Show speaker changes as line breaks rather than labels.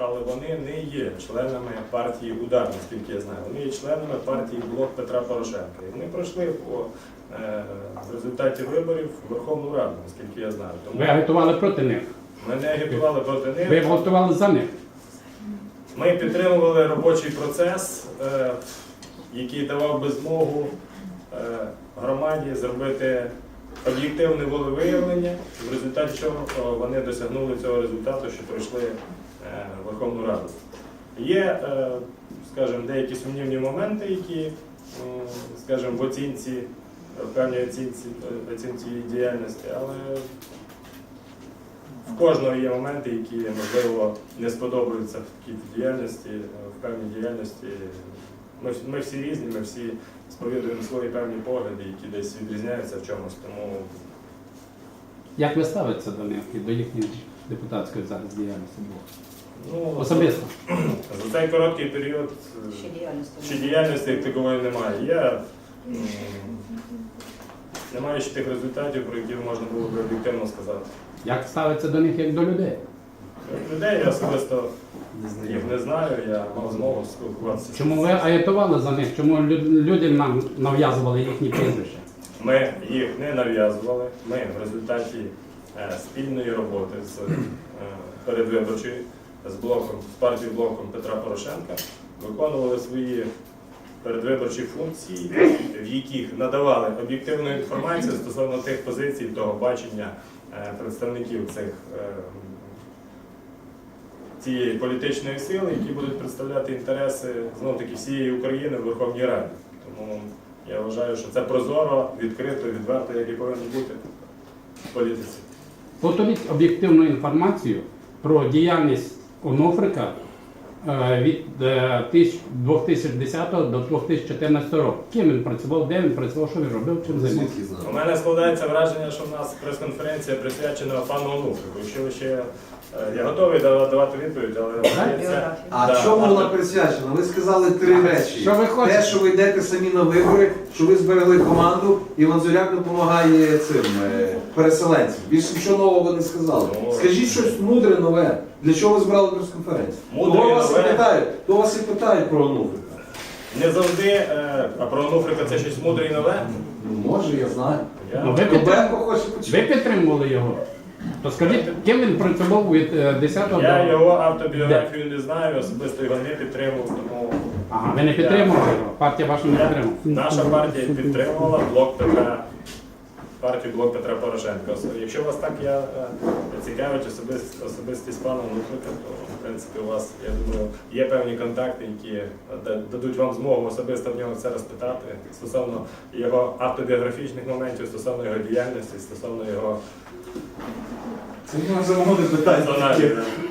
але вони не є членами партії «Удар», наскільки я знаю. Вони є членами партії «Блок Петра Порошенка». І вони пройшли в результаті виборів в Верховну Раду, наскільки я знаю. Тому
Ви агітували проти них?
ми не агітували проти них.
Ви голосували за них?
Ми підтримували робочий процес, який давав би змогу громаді зробити об'єктивне волевиявлення, в результаті чого вони досягнули цього результату, що пройшли Верховну Раду. Є, скажімо, деякі сумнівні моменти, які, скажімо, в певній оцінці її діяльності, але в кожного є моменти, які, можливо, не сподобаються в такій діяльності, в певній діяльності. Ми всі різні, ми всі сповідуємо свої певні погляди, які десь відрізняються в чомусь. Тому
Як ви ставитеся до них і до їхньої депутатської зараз діяльності?
ну,
Особисто?
за цей короткий період ще діяльності як такової немає. Немає ще тих результатів, про які можна було б об'єктивно сказати.
Як ставиться до них як до людей?
Людей я особисто їх не знаю, я мав змогу спілкуватися.
Чому ви агітували за них? Чому людям нам нав'язували їхні прізвища?
Ми їх не нав'язували. Ми в результаті спільної роботи з передвиборчою, з партією «Блоком Петра Порошенка» виконували свої передвиборчі функції, в яких надавали об'єктивну інформацію стосовно тих позицій, того бачення представників цієї політичної сили, які будуть представляти інтереси, знов-таки, всієї України в Верховній Раді. Тому я вважаю, що це прозоро, відкрито, відверто, як і повинно бути в політиці.
Повторіть об'єктивну інформацію про діяльність Онуфрика від 2010 до 2014 року. Ким він працював, де він працював, що він робив, чим займався?
У мене складається враження, що в нас прес-конференція присвячена пану Онуфрику. Якщо ви ще... Я готовий давати відповідь, але...
А чому вона присвячена? Ви сказали три речі.
Що ви хочете?
Те, що ви йдете самі на вибори, що ви зберегли команду, і Ванзуряк допомагає цим переселенцям. Більше нічого нового ви не сказали. Скажіть щось мудре, нове. Для чого ви збирали прес-конференцію? То вас і питають про Онуфрика.
Не завжди, а про Онуфрика це щось мудре і нове?
Ну, може, я знаю.
Ви підтримували його? То скажіть, ким він працював від 10-го до...
Я його автобіографію не знаю, особисто його не підтримував, тому...
Ага, ви не підтримували його? Партія ваша не підтримувала?
Наша партія підтримувала партію «Блок Петра Порошенка». Якщо вас так цікавить особистість пана Онуфрика, то, в принципі, у вас, я думаю, є певні контакти, які дадуть вам змогу особисто в нього це розпитати стосовно його автобіографічних моментів, стосовно його діяльності, стосовно його...
Це можна замовити питання.